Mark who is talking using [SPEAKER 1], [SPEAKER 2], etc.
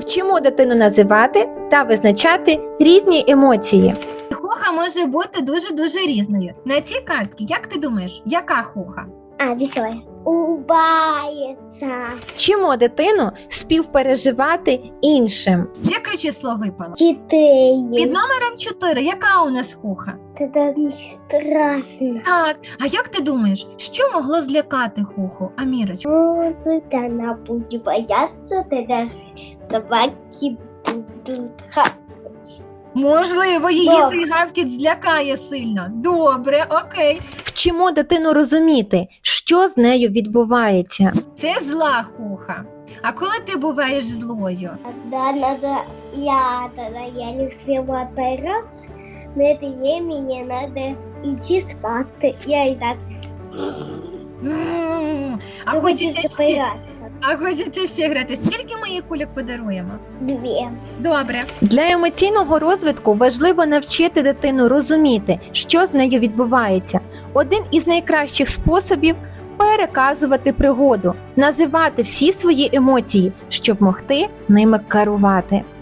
[SPEAKER 1] Вчимо дитину називати та визначати різні емоції.
[SPEAKER 2] Хуха може бути дуже-дуже різною. На цій картці, як ти думаєш, яка хуха?
[SPEAKER 3] Веселая. Улыбается.
[SPEAKER 1] Вчимо дитину співпереживати іншим.
[SPEAKER 2] Яке число випало? 4.
[SPEAKER 3] 4.
[SPEAKER 2] Під номером 4, яка у нас хуха?
[SPEAKER 3] Это не страшно.
[SPEAKER 2] Так, а як ти думаєш, що могло злякати хуху, Амірочка?
[SPEAKER 3] Может, она будет бояться, тогда собаки будут хапать.
[SPEAKER 2] Можливо, її
[SPEAKER 3] Так.
[SPEAKER 2] цей гавкіт злякає сильно. Добре, окей.
[SPEAKER 1] Вчимо дитину розуміти, що з нею відбувається.
[SPEAKER 2] Це зла хуха. А коли ти буваєш злою?
[SPEAKER 3] Тогда я не успела отбираться, на это времени надо идти спать. Я и так
[SPEAKER 2] А
[SPEAKER 3] не
[SPEAKER 2] хочеться
[SPEAKER 3] хочу
[SPEAKER 2] ще,
[SPEAKER 3] запираться.
[SPEAKER 2] а хочеться ще грати. Скільки ми їй кульок подаруємо?
[SPEAKER 3] 2.
[SPEAKER 2] Добре.
[SPEAKER 1] Для емоційного розвитку важливо навчити дитину розуміти, що з нею відбувається. Один із найкращих способів – переказувати пригоду, називати всі свої емоції, щоб могти ними керувати.